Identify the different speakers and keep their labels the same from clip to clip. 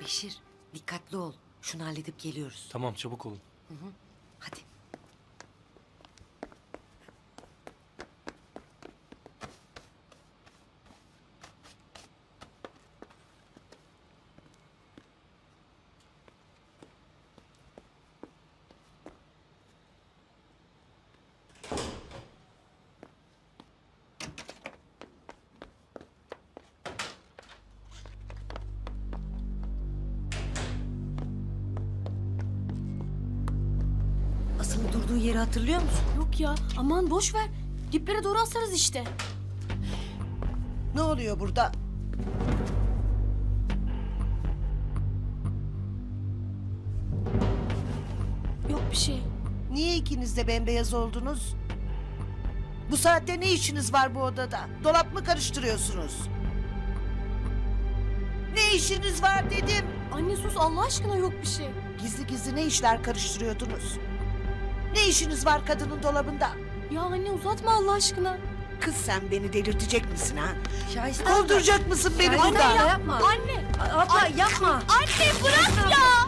Speaker 1: Beşir, dikkatli ol. Şunu halledip geliyoruz.
Speaker 2: Tamam, çabuk olun.
Speaker 1: Hadi. Asıl'ın durduğu yeri hatırlıyor musun?
Speaker 3: Yok ya, aman boş ver. Diplere doğru asarız işte.
Speaker 4: Ne oluyor burada?
Speaker 3: Yok bir şey.
Speaker 4: Niye ikiniz de bembeyaz oldunuz? Bu saatte ne işiniz var bu odada? Dolap mı karıştırıyorsunuz? Ne işiniz var dedim.
Speaker 3: Anne sus Allah aşkına, yok bir şey.
Speaker 4: Gizli gizli ne işler karıştırıyordunuz? Ne işiniz var kadının dolabında?
Speaker 3: Ya anne uzatma Allah aşkına.
Speaker 4: Kız sen beni delirtecek misin ha?
Speaker 1: Şahiste
Speaker 4: Kovduracak mısın beni
Speaker 1: Şahiste
Speaker 4: buradan?
Speaker 1: abla, yapma.
Speaker 3: Anne!
Speaker 1: Abla yapma.
Speaker 3: Anne bırak ya!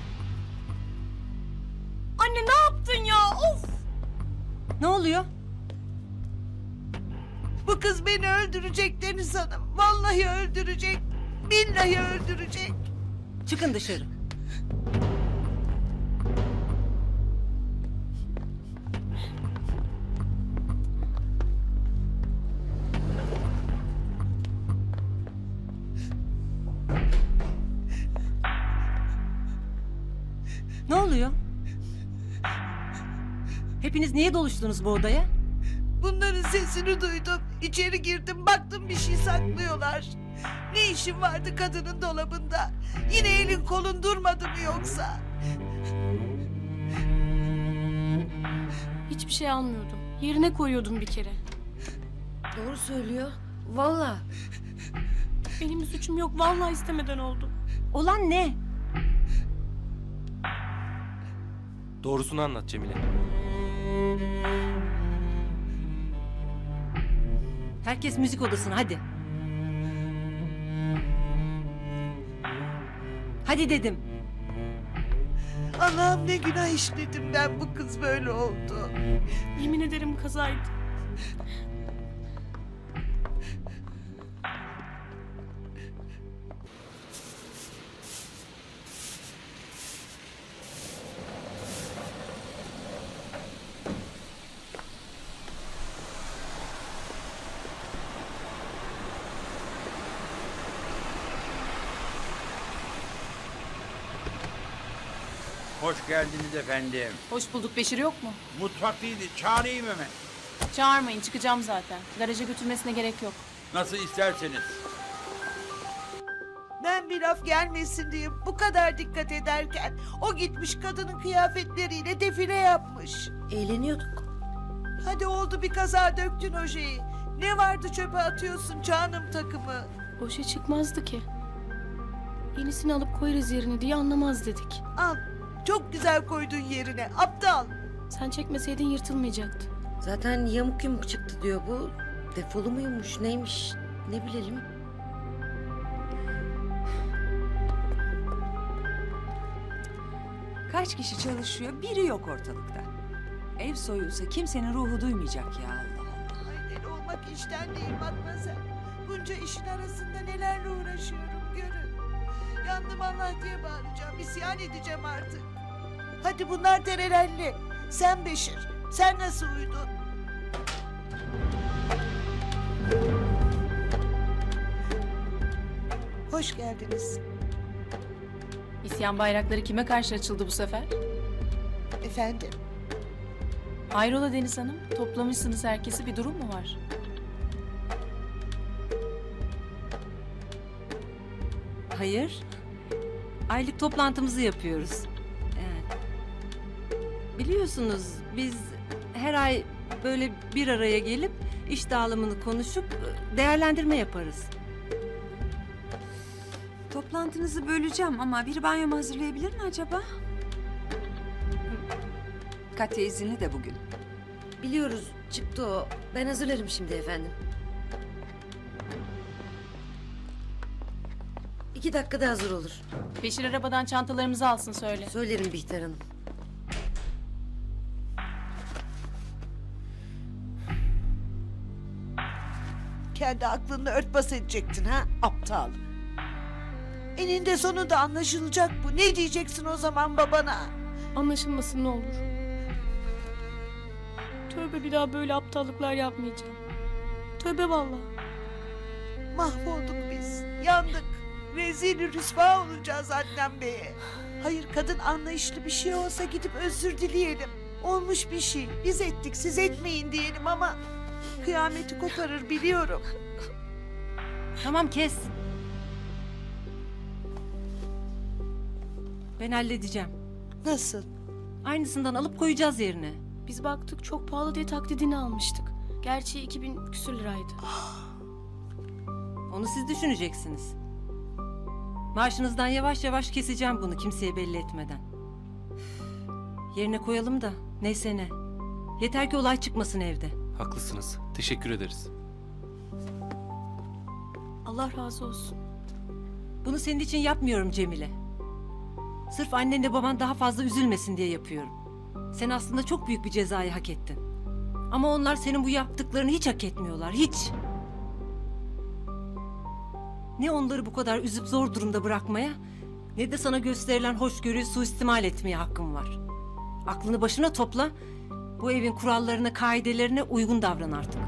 Speaker 3: Anne ne yaptın ya? Of!
Speaker 1: Ne oluyor?
Speaker 4: Bu kız beni öldürecek Deniz Hanım. Vallahi öldürecek. Billahi öldürecek.
Speaker 1: Çıkın dışarı. Ne oluyor? Hepiniz niye doluştunuz bu odaya?
Speaker 4: Bunların sesini duydum. İçeri girdim, baktım bir şey saklıyorlar. Ne işin vardı kadının dolabında? Yine elin kolun durmadı mı yoksa?
Speaker 3: Hiçbir şey almıyordum. Yerine koyuyordum bir kere.
Speaker 1: Doğru söylüyor. Vallahi.
Speaker 3: Benim bir suçum yok. Vallahi istemeden oldu.
Speaker 1: Olan ne?
Speaker 2: Doğrusunu anlat Cemile.
Speaker 1: Herkes müzik odasına hadi. Hadi dedim.
Speaker 4: Allah'ım ne günah işledim ben, bu kız böyle oldu.
Speaker 3: Yemin ederim kazaydı.
Speaker 5: Hoş geldiniz efendim.
Speaker 6: Hoş bulduk. Beşir yok mu?
Speaker 5: Mutfaktaydı. Çağırayım hemen.
Speaker 6: Çağırmayın. Çıkacağım zaten. Garaja götürmesine gerek yok.
Speaker 5: Nasıl isterseniz.
Speaker 4: Ben bir laf gelmesin diye bu kadar dikkat ederken o gitmiş kadının kıyafetleriyle defile yapmış.
Speaker 1: Eğleniyorduk.
Speaker 4: Hadi oldu bir kaza, döktün ojeyi. Ne vardı çöpe atıyorsun canım takımı?
Speaker 3: O şey çıkmazdı ki. Yenisini alıp koyarız yerine diye anlamaz dedik.
Speaker 4: Al, çok güzel koydun yerine aptal.
Speaker 3: Sen çekmeseydin yırtılmayacaktı.
Speaker 1: Zaten yamuk yumuk çıktı diyor bu. Defolu muymuş neymiş ne bilelim.
Speaker 7: Kaç kişi çalışıyor, biri yok ortalıkta. Ev soyulsa kimsenin ruhu duymayacak ya, Allah Allah.
Speaker 4: Ay deli olmak işten değil Matmazel. Bunca işin arasında nelerle uğraşıyorum görün. Yandım Allah diye bağıracağım, isyan edeceğim artık. Hadi bunlar terelelli. Sen Beşir, sen nasıl uyudun? Hoş geldiniz.
Speaker 6: İsyan bayrakları kime karşı açıldı bu sefer?
Speaker 4: Efendim,
Speaker 6: Hayrola Deniz Hanım? Toplamışsınız herkesi, bir durum mu var?
Speaker 8: Hayır. Aylık toplantımızı yapıyoruz. Evet. Biliyorsunuz biz her ay böyle bir araya gelip iş dağılımını konuşup değerlendirme yaparız.
Speaker 7: Toplantınızı böleceğim ama bir banyomu hazırlayabilir mi acaba? Katya izinli de bugün.
Speaker 1: Biliyoruz çıktı o. Ben hazırlarım şimdi efendim. 2 dakikada hazır olur.
Speaker 6: Beşir arabadan çantalarımızı alsın söyle.
Speaker 1: Söylerim Bihter Hanım.
Speaker 4: Kendi aklını örtbas edecektin ha aptal. Eninde sonunda anlaşılacak bu. Ne diyeceksin o zaman babana?
Speaker 3: Anlaşılmasın ne olur. Tövbe bir daha böyle aptallıklar yapmayacağım. Tövbe vallahi.
Speaker 4: Mahvolduk biz. Yandık. Rezil rüsva olacağız Adnan Bey'e. Hayır kadın anlayışlı bir şey olsa gidip özür dileyelim. Olmuş bir şey. Biz ettik siz etmeyin diyelim ama kıyameti koparır biliyorum.
Speaker 8: Tamam kes. Ben halledeceğim.
Speaker 4: Nasıl?
Speaker 8: Aynısından alıp koyacağız yerine.
Speaker 3: Biz baktık çok pahalı diye taklidini almıştık. Gerçi 2000 küsür liraydı.
Speaker 8: Onu siz düşüneceksiniz. Maaşınızdan yavaş yavaş keseceğim bunu kimseye belli etmeden. Üf, yerine koyalım da neyse ne. Yeter ki olay çıkmasın evde.
Speaker 2: Haklısınız. Teşekkür ederiz.
Speaker 3: Allah razı olsun.
Speaker 8: Bunu senin için yapmıyorum Cemile. Sırf annenle baban daha fazla üzülmesin diye yapıyorum. Sen aslında çok büyük bir cezayı hak ettin. Ama onlar senin bu yaptıklarını hiç hak etmiyorlar, hiç. Ne onları bu kadar üzüp zor durumda bırakmaya, ne de sana gösterilen hoşgörüyü suistimal etmeye hakkım var. Aklını başına topla, bu evin kurallarına, kaidelerine uygun davran artık.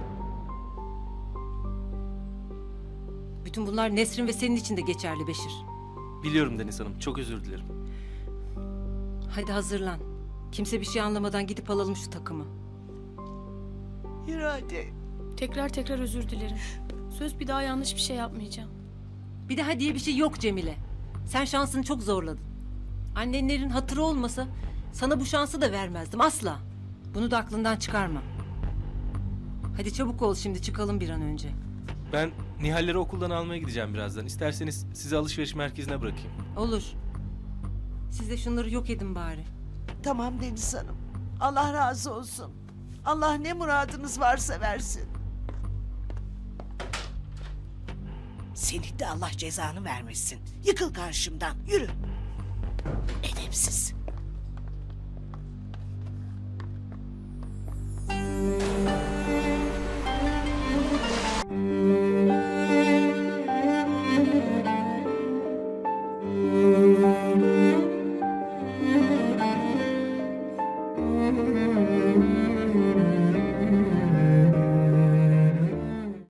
Speaker 8: Bütün bunlar Nesrin ve senin için de geçerli Beşir.
Speaker 2: Biliyorum Deniz Hanım. Çok özür dilerim.
Speaker 8: Hadi hazırlan. Kimse bir şey anlamadan gidip alalım şu takımı.
Speaker 4: Yürü hadi.
Speaker 3: Tekrar özür dilerim. Söz bir daha yanlış bir şey yapmayacağım.
Speaker 8: Bir daha diye bir şey yok Cemile. Sen şansını çok zorladın. Annenlerin hatırı olmasa sana bu şansı da vermezdim asla. Bunu da aklından çıkarma. Hadi çabuk ol şimdi çıkalım bir an önce.
Speaker 2: Ben Nihal'leri okuldan almaya gideceğim birazdan. İsterseniz sizi alışveriş merkezine bırakayım.
Speaker 8: Olur. Siz de şunları yok edin bari.
Speaker 4: Tamam Deniz Hanım. Allah razı olsun. Allah ne muradınız varsa versin. Senin de Allah cezanı vermesin. Yıkıl karşımdan. Yürü. Edepsiz.